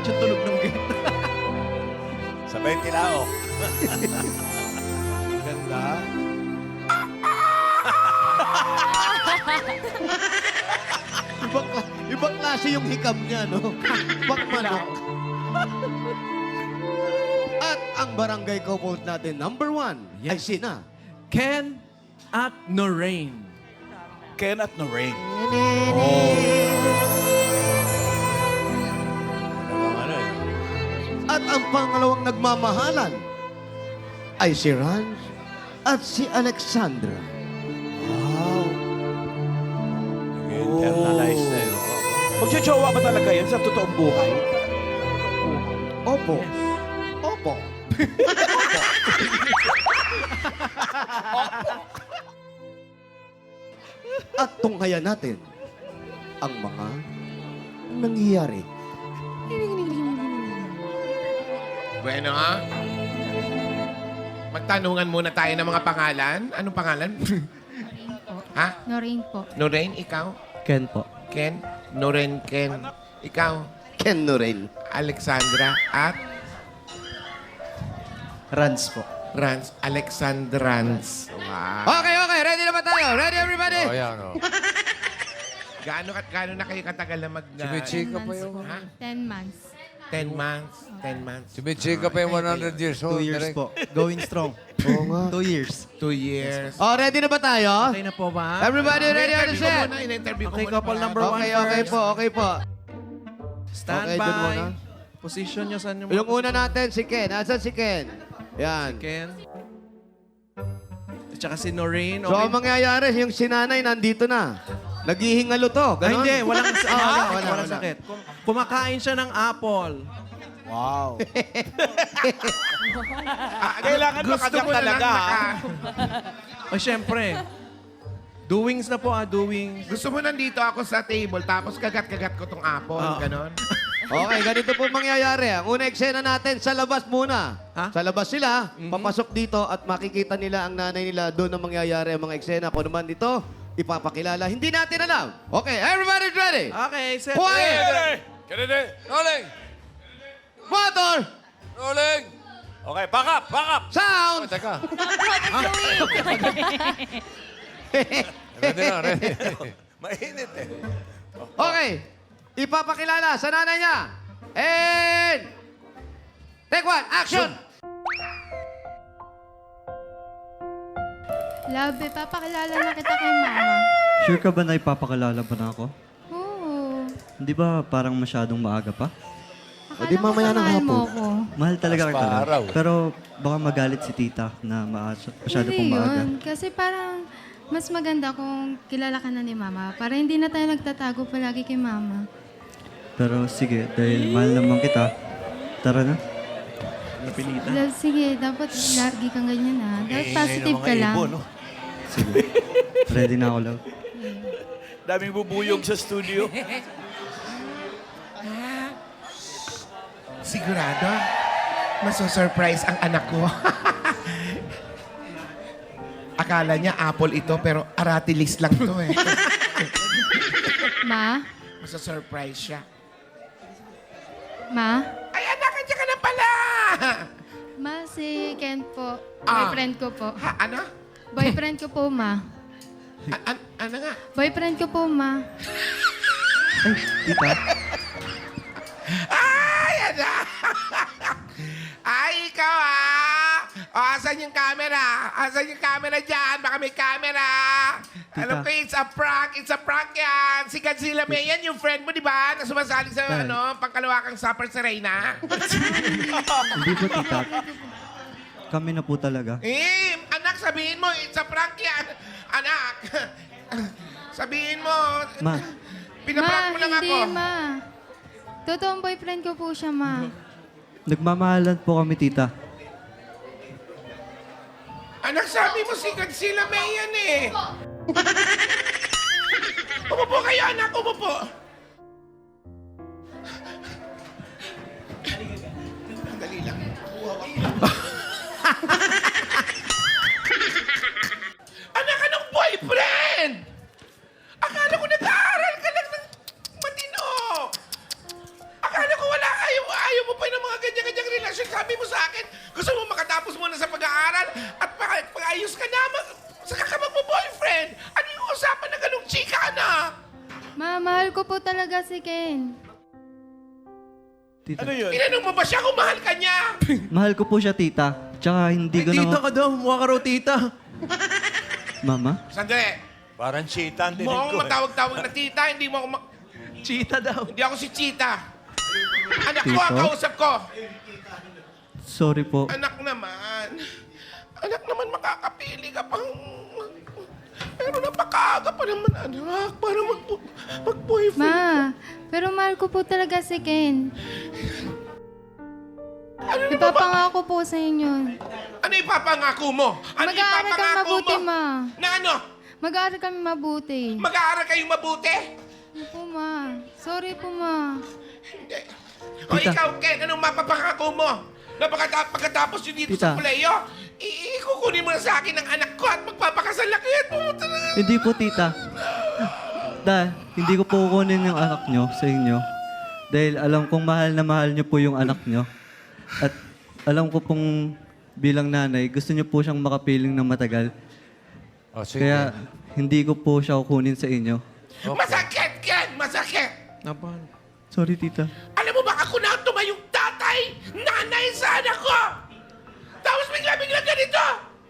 Dapat yung tunog ng gate. Sabay tilaok. Ganda. Ibang klase yung hikam niya, no? Ibang manok. At ang barangay couple natin, number 1, ay Yes. sina. Ken at Noreen. Ken at Noreen. Ano eh. At ang pangalawang nagmamahalan ay si Ranz at si Alexandra. Wow. Nag-internalize na yun. Magjojowa ba talaga yan sa totoong buhay? Opo. Opo. At tunghayan natin ang mga nangyayari. Bueno, ha? Magtanungan muna tayo ng mga pangalan. Anong pangalan? Ha? Noreen po. Noreen, ikaw? Ken po. Ken? Noreen, Ken. Ikaw? Ken Noren. Alexandra at Ranz po. Ranz. Alexandrans. Wow. Okay. Ready na ba tayo? Ready, everybody? Oh, yan, oh. Gaano na kayo katagal na mag... Chimichika pa yung... Ha? 10 months. 10 months? 10 months. Chimichika pa yung 100 years old. 2 years po. Going strong. Oo nga. 2 years. 2 years. Oh, ready na ba tayo? Okay na po ba? Everybody ready on the In-interview ko set? muna. In-interview ko Okay, muna. couple para- number one. Okay po. Stand Okay, dun muna. by. Position nyo saan yung... Yung una natin, si Ken. Asan si Ken? Yan. Ken. At saka si Noreen. So, ang mangyayari, yung sinanay nandito na. Naghihingalo to. Ay, Ganon? hindi. Walang, wala. walang sakit. Kumakain siya ng apple. Wow. Kailangan makagat mo na lang talaga. O, syempre. Doings na po, doings. Gusto mo nandito ako sa table, tapos kagat-kagat ko tong apple, ganon? Okay, ganito po mangyayari. Ang una eksena natin, sa labas muna. Ha? Sa labas sila, papasok dito at makikita nila ang nanay nila. Doon ang mangyayari ang mga eksena. Kung naman dito, ipapakilala. Hindi natin alam. Okay, everybody's ready. Okay, set. Quiet! Kennedy! Rolling! Motor! Rolling! Okay, back up! Sound! Teka. Ready na, ready. Mainit eh. Okay. Ipapakilala sa nanay niya. And... Take one. Action! Love, papakilala na kita kay mama. Sure ka ba na ipapakilala ba na ako? Oo. Hindi ba parang masyadong maaga pa? Akala di mamaya ko ng mahal mo hapon. ako. Mahal talaga Mas kita. paaraw. Pero baka magalit si tita na masyado Hindi pong maaga. yun. Kasi parang mas maganda kung kilala ka na ni mama. Para hindi na tayo nagtatago palagi kay mama. Pero sige, dahil mahal naman kita, tara na. Napilitan. Love, sige, dapat lagi kang ganyan ha. Dapat positive ka lang. Sige. Ready na ako, love. Daming bubuyog sa studio. Sigurado? Maso-surprise ang anak ko. Akala niya apple ito, pero aratilis lang to eh. Ma? Maso-surprise siya. Ma? Ay, anak, nandiyan ka na pala! Ma, si Ken po. Ah. Boyfriend ko po. Ha, ano? Boyfriend ko po, ma. Ano nga? Boyfriend ko po, ma. Ay, tita. Ay, ano? Ay, ikaw ah! O, asan yung camera? Asan yung camera dyan? Baka may camera. Alam ko, it's a prank. It's a prank yan. Si Godzilla May yan, yung friend mo, di ba? Na sumasali sa, pangkalawakang supper sa Reyna. Hindi po, tita. Kami na po talaga. Anak, sabihin mo, it's a prank yan. Anak, sabihin mo, Ma, pinaprank mo lang ako. Hindi, ma. Totoong boyfriend ko po siya, ma. nagmamahalan po kami, tita. Anak, sabi mo si Godzilla May yan eh. Umupo kayo, anak. Umupo. Dali lang. Anak, anong boyfriend? Akala ko nag-aaral ka lang ng matino. Akala ko wala kayong anak. Ma, mahal ko po talaga si Ken. Tita. Ano yun? Tinanong mo ba siya kung mahal ka niya? Mahal ko po siya, tita. Tsaka hindi Ay, ko tita na... ka daw. Mukha ka raw tita. Mama? Sandali. Parang cheetah ang Mo dinig akong ko. matawag-tawag na tita, hindi mo ako Cheetah daw. Hindi ako si Chita. Anak ko Tito? ang kausap ko. Sorry po. Anak naman. Anak naman, makakapili ka pang... Pero napakaaga pa naman, anak. Para mag-boyfriend. Ma, pero mahal ko po talaga si Ken. Ano na ba? Ipapangako po sa inyo. Ano ipapangako mo? Ano Mag-aaral kami ipapangako mabuti, mo? Ma. Na ano? Mag-aaral kami mabuti. Mag-aaral kayong mabuti? Opo, Ma. Sorry po, Ma. Hindi. O Tita. ikaw, Ken, anong mapapangako mo? Na pagkatapos yun dito Tita. sa kuleyo, ikukunin mo na sa akin ang anak ko at magpapakasal na kayo. Hindi po, tita. Hindi ko po kukunin yung anak nyo sa inyo. Dahil alam kong mahal na mahal nyo po yung anak nyo. At alam ko pong bilang nanay, gusto nyo po siyang makapiling ng matagal. Oh, sige. Kaya hindi ko po siya kukunin sa inyo. Masakit, Ken! Masakit! Napan. Sorry, tita. Alam mo ba ako na tumayong tatay, nanay sa anak ko? Tapos bigla-bigla ganito!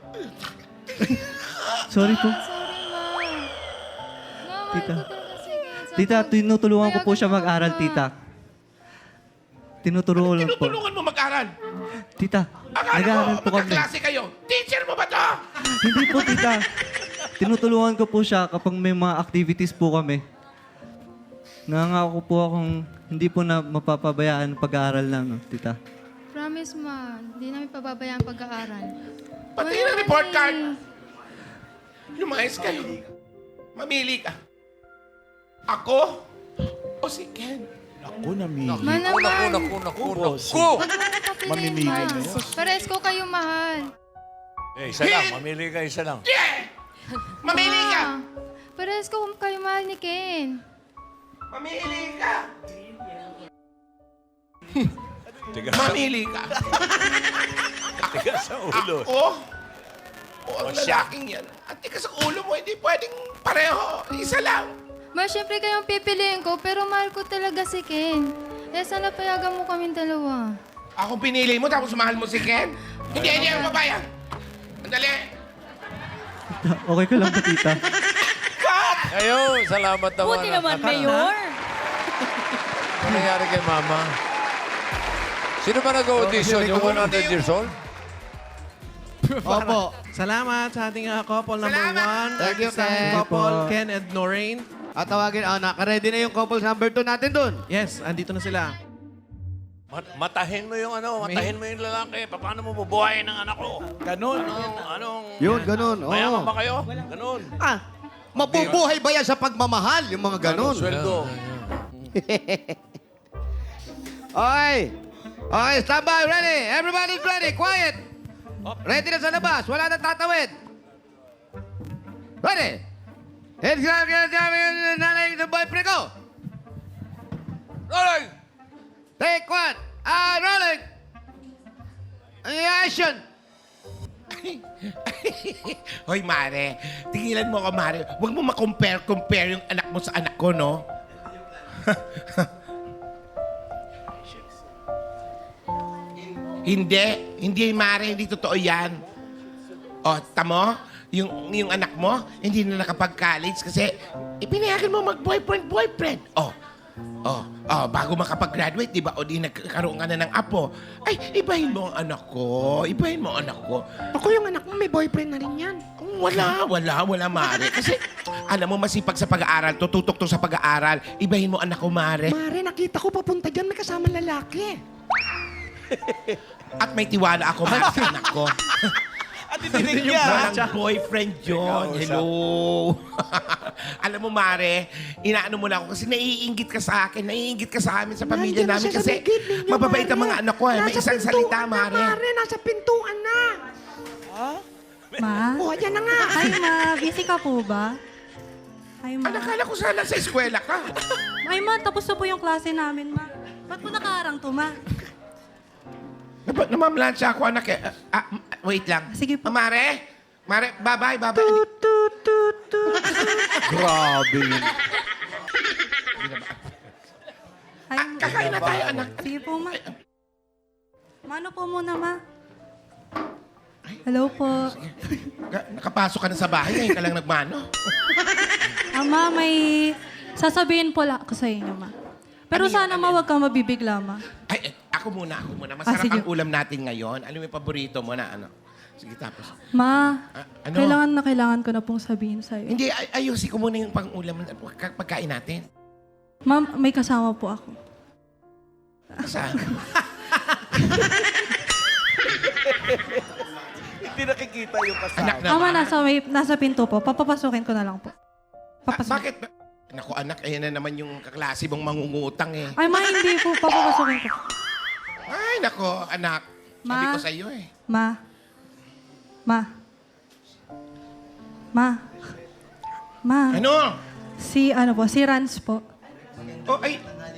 Sorry po. Sorry, Ma. Ma, mahal Tita. ko talaga si Ken. Sa Tita, tinutulungan ko po siya Payagan mo, mag-aral, Ma. tita. Tinutulungan po. Tinutulungan mo mag-aral. Tita, Akala nag-aaral ko, po kami. magkaklase kayo. Teacher mo ba to? Hindi po, tita. Tinutulungan ko po siya kapag may mga activities po kami. Nangangako po akong hindi po na mapapabayaan ang pag-aaral namin, tita. Promise, Ma. Hindi namin pababayaan pag-aaral. Pati Wala ng report naman card. eh. Lumayas kayo. Mamili ka. Ako o si Ken? Ako namili. Ma naman. Naku. Huwag mo napapiliin, Mamimili Ma. na yun. Pares ko kayo mahal. Eh, isa lang. Mamili ka, isa lang. Yeah! Mamili ka! Ma, pares ko kayo mahal ni Ken. Mamili ka! Tiga, Mamili ka! tiga sa ulo. Ako o ang lalaking yan. At tika sa ulo mo, hindi pwedeng pareho. Isa lang. Ma, syempre kayong pipiliin ko, pero mahal ko talaga si Ken. Eh, sana payagan mo kaming dalawa. Ako pinili mo, tapos mahal mo si Ken? Hindi ako babayan. Andali. Okay ka lang ba, tita? Ayun, salamat naman. Buti naman, Mayor. Ano nangyari kay Mama? Sino ba nag-audition? Yung 100 years old? Opo. Salamat sa ating couple number Salamat. 1. Thank you, Sa ating Ken. couple, Ken and Noreen. At tawagin, naka-ready na yung couples number 2 natin dun. Yes, andito na sila. Matahin mo yung matahin mo yung lalaki. Paano mo bubuhayin ng anak ko? Ganon. Anong... Yun, ganun. Oo. Mayaman ba kayo? Ganon. Mabubuhay ba yan sa pagmamahal? Yung mga ganun. Sweldo. Okay. Okay, stand by. Ready? Everybody's ready. Quiet. Ready na sa labas. Wala nang tatawid. Ready? It's nanay ng boyfriend ko. Rolling! Take one. Rolling. Action. Hoy, Mare. Tigilan mo ako, Mare. Huwag mo ma-compare yung anak mo sa anak ko, no? Hindi, Mare. Hindi totoo yan. O, tamo? Yung anak mo, hindi na nakapag-college kasi ipinayagan mo mag-boyfriend. Bago makapag-graduate, di ba? O di nagkaroon ka na ng apo. Ay, ibahin mo ang anak ko. Ibahin mo ang anak ko. Ako yung anak mo, may boyfriend na rin yan. Wala, Mare. Kasi, alam mo, masipag sa pag-aaral. Tututok to sa pag-aaral. Ibahin mo anak ko, Mare. Mare, nakita ko papunta dyan, may kasama lalaki. At may tiwala ako, Mare, sa anak ko. At itinig Walang boyfriend yun. Hello. Alam mo, Mare, inaano mo lang ako kasi naiinggit ka sa akin. Naiinggit ka sa amin, sa pamilya Nandiyan na namin. siya sa Kasi ligid ninyo, mababait ang Mare. mga anak ko. May Nasa isang salita, pintuan na, Mare. Mare, nasa pintuan na. Ma? Oh, yan na nga. Hi, Ma. Busy ka po ba? Hi, Ma. Nakala ko sana sa eskwela ka. Ay, Ma. Tapos na po yung klase namin, Ma. Ba't po nakaharang to, Ma? Namamlansya ako, anak. Wait lang. Sige po. Mare, bye-bye. Grabe yun. Ay, Kakain na tayo, anak. sige po, ma. Mano po muna, ma. Hello po. Nakapasok ka na sa bahay, ngayon ka lang nagmano. Ma, may sasabihin po lang ako sa inyo, ma. Pero sana ma, huwag kang mabibigla, ma. Ay, ako muna. Masarap sige. ang ulam natin ngayon. Ano yung paborito mo na ano? Sige, tapos. Ma, Ano? kailangan ko na pong sabihin sa'yo. Hindi, ayusin ko muna yung pang-ulam, pagkain natin. Ma, may kasama po ako. Saan? Hindi nakikita yung kasama. Anak Ama, naman. nasa pinto po. Papapasukin ko na lang po. Bakit? Naku, anak, ayan na naman yung kaklase mong mangungutang eh. Ay, ma, hindi po. Papapasukin ko. Ay, nako, anak. Sabi Ma? ko sa iyo eh. Ma. Ano? Si Rans po. Oh, ay.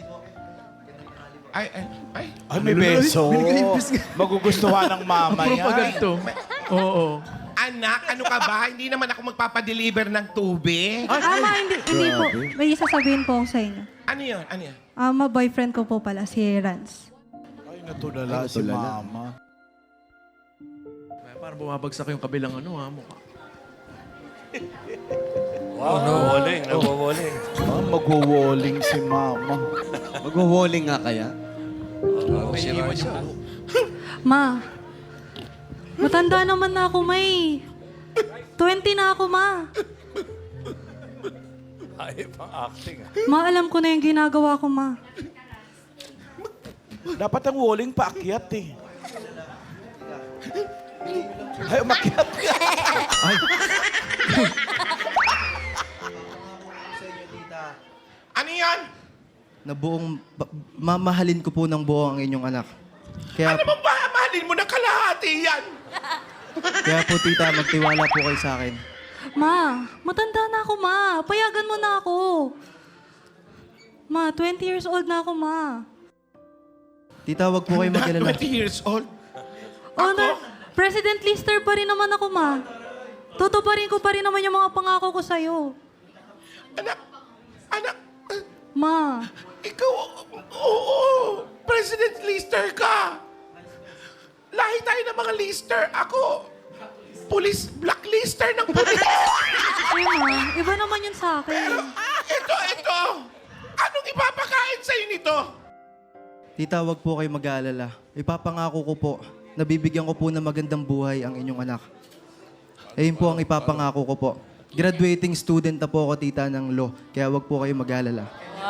Ay. Ay, may beso. Magugustuhan ng mama Puro yan. paganto. Oo. Anak, ano ka ba? Hindi naman ako magpapadeliver ng tubig. Ma, hindi po. May sasabihin po ako sa inyo. Ano yun? Boyfriend ko po pala, si Rans. Ay, natulala si mama. Parang bumabagsak yung kabilang mukha. Wow, nawawaling. Ah, magwo-walling si mama. Magwo-walling nga kaya? Ma, matanda naman na ako, May. 20 na ako, ma. Ay, pang acting. Ma, alam ko na yung ginagawa ko, ma. Dapat ang walling paakyat eh. Ay, umakyat ka. Ano yan? Na buong, mamahalin ko po ng buo ang inyong anak. Kaya, Ano bang mahalin mo na kalahati yan? kaya po, tita, magtiwala po kayo sa akin. Ma, matanda na ako, ma. Payagan mo na ako. Ma, 20 years old na ako, ma. Tita, wag po kayo Not mag-alala. 20 years old. Honor, President Lister pa rin naman ako, ma. Tutuparin ko pa rin naman yung mga pangako ko sa'yo. Anak, Ma, ikaw, oo, President Lister ka. Lahi tayo ng mga lister. Ako, blacklister ng pulis. ay ma, iba naman yun sa akin. Ito. Anong ipapakain sa'yo nito? Tita, wag po kayo mag-aalala. Ipapangako ko po, nabibigyan ko po ng magandang buhay ang inyong anak. Ayun po ang ipapangako ko po. Graduating student na po ako, tita, ng law. Kaya wag po kayo mag-aalala.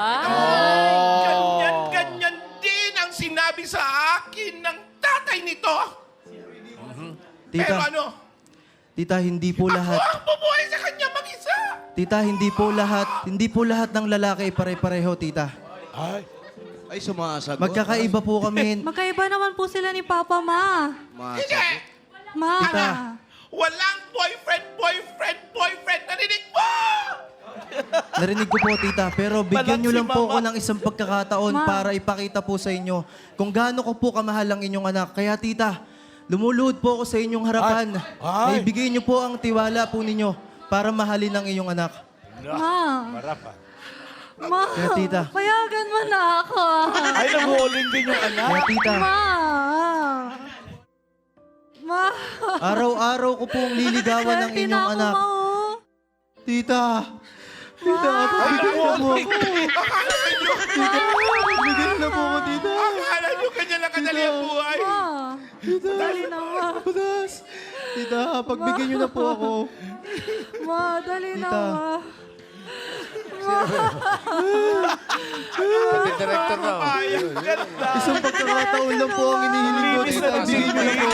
Ganyan din ang sinabi sa akin ng tatay nito. Pero Tita, ano? tita, hindi po Ako lahat. ang bubuhay sa kanya mag-isa. Tita, hindi po lahat ng lalaki pare-pareho, tita. Ay, sumasagot. Magkakaiba po kami. Magkaiba naman po sila ni Papa, ma. Hindi. Ma. Tita. Walang boyfriend. Narinig mo? Narinig ko po, tita. Pero bigyan nyo lang po ako ng isang pagkakataon Ma. para ipakita po sa inyo kung gaano ko po kamahal ang inyong anak. Kaya, tita, lumuluhod po ako sa inyong harapan. Ay. Ibigay nyo po ang tiwala po ninyo para mahalin ang inyong anak. Ma. Ma. Kaya, tita. Payagan mo na ako. Ay, nag-walling din yung anak. Kaya, tita, Ma. araw-araw ko pong liligawan ng 20 inyong na ako, anak. ma, oh. Tita, tita, pagbigyan nyo na po ako. Pagbigyan nyo na po ako, tita. Akala nyo ganyan lang kadali ang buhay. Ma. Dali na, ma. Padas. Tita, pagbigyan nyo na po ako. Ma, dali na, Tita. ma. Pati director na. Isang pagkakataon lang po ang inihiling ko, tita. Bigyan nyo na po.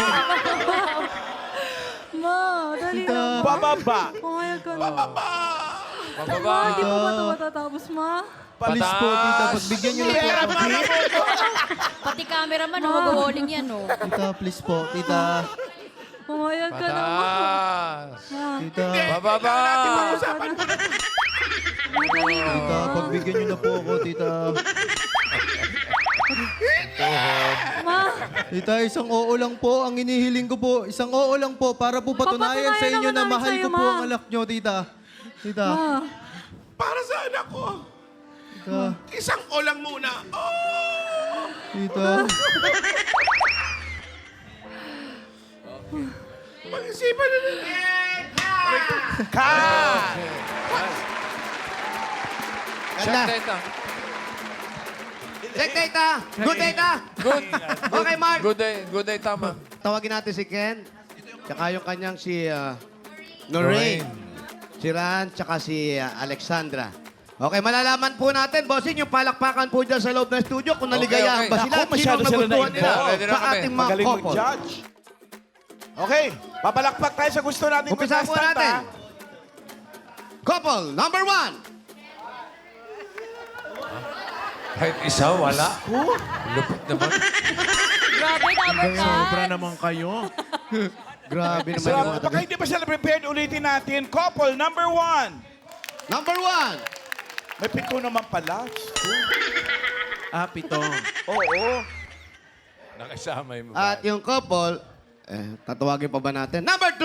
Ma, dali Tita. na, ma. Pababa. Pumayag ka na. Pababa. Hindi po ba ito matatapos, ma? Please po, tita, pagbigyan nyo na po ako. Pati cameraman, mag-walling yan, oh. Tita, please po, tita. Pumayag ka na, ma. Patas. Ma, Tita, Bababa. tita, pagbigyan nyo na po ako, tita. ma. Tita, isang oo lang po ang inihiling ko po. Isang oo lang po para po patunayan Papatunayan sa inyo naman na namin mahal sa'yo, ko po ma. ang anak nyo, tita. Tita. Ma. Para sa anak ko. Tita. Isang o lang muna. Oh! Tita. Pag-isipan na rin. Ka! Ganda. Check data. Good data. Good. Okay, Mark. Good day, tama. Tawagin natin si Ken. Tsaka yung kanyang si Noreen. Si Ran, tsaka si Alexandra. Okay, malalaman po natin, bossing, yung palakpakan po dyan sa loob ng studio kung naligayahan Okay. ba sila Naku, at masyado sino sila nagustuhan nila na-involve. Ready na sa kami. ating mga Magaling couple. mag-judge. Okay, papalakpak tayo sa gusto natin. Umpisa po contestant, natin. ha? Couple number 1. Kahit isa, wala. Lupit naman. Grabe, number Sobra cut. naman kayo. Grabe naman So, yung mga baka hindi pa sila prepared, ulitin natin. Couple number 1. Number 1. May 7 naman pala. Pito. Oo. Nakasama yung At yung couple, tatawagin pa ba natin? Number 2.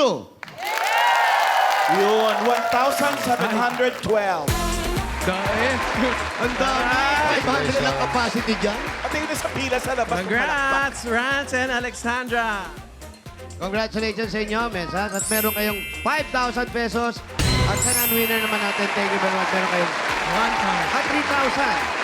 Yun, 1,712. Dahil. Ang dami. 500 lang capacity dyan. At yun sa pila sa labas. Congrats, Rance and Alexandra. Congratulations sa inyo, Mensas. At meron kayong 5,000 pesos. At sa non-winner naman natin, thank you very much. Meron kayong 3,000.